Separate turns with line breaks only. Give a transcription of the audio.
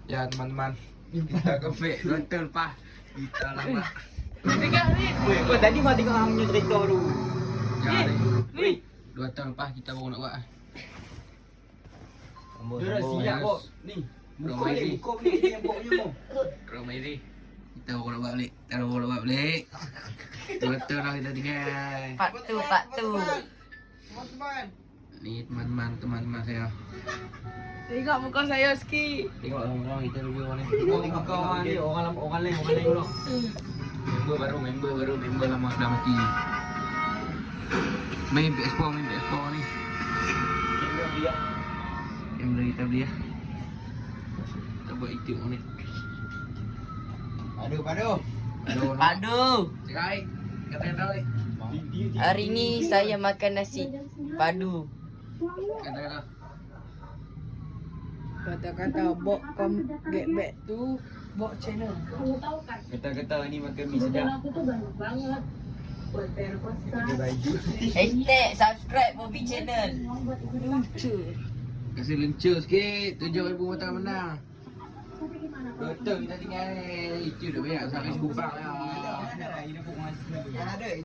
Ya teman-teman, kita ke fake betul pak. Kita lama.
Dekat ni.
Weh, kau tadi kau tengok hang punya cerita tu.
Ya ni.
Ni.
2 tahun lepas kita baru nak buat.
Dia dah siap kok. Ni. Buka ni, buka ni yang pokoknya mau.
Ramai ni. Kita baru nak buat balik. Kita baru nak buat balik. 2 tahun lah kita tinggal.
Part tu.
Ni teman-teman saya.
Tengok muka saya sikit.
Tengok orang-orang kita review ni.
Tengok kau orang ni, orang lain dulu.
Member baru lama dah mati. Main PS4 ni. Kamera kita beli ya. Kita buat YouTube ni.
Padu.
Padu.
Sekali. Kata-kata ni.
Hari ni saya makan nasi padu.
Kata-kata.
Kata-kata bok get back tu bok channel.
Kata-kata ni makan mie sedap.
Aku tuh banyak banget. Buat terkosa.
Ada baju.
Hashtag subscribe Bobby channel.
Lucu.
Kasih lencur sikit. 7,000 mata menang.
Tapi gimana?
Betul kita tinggal. Itu dah banyak sampai sekupang lah.
Ada.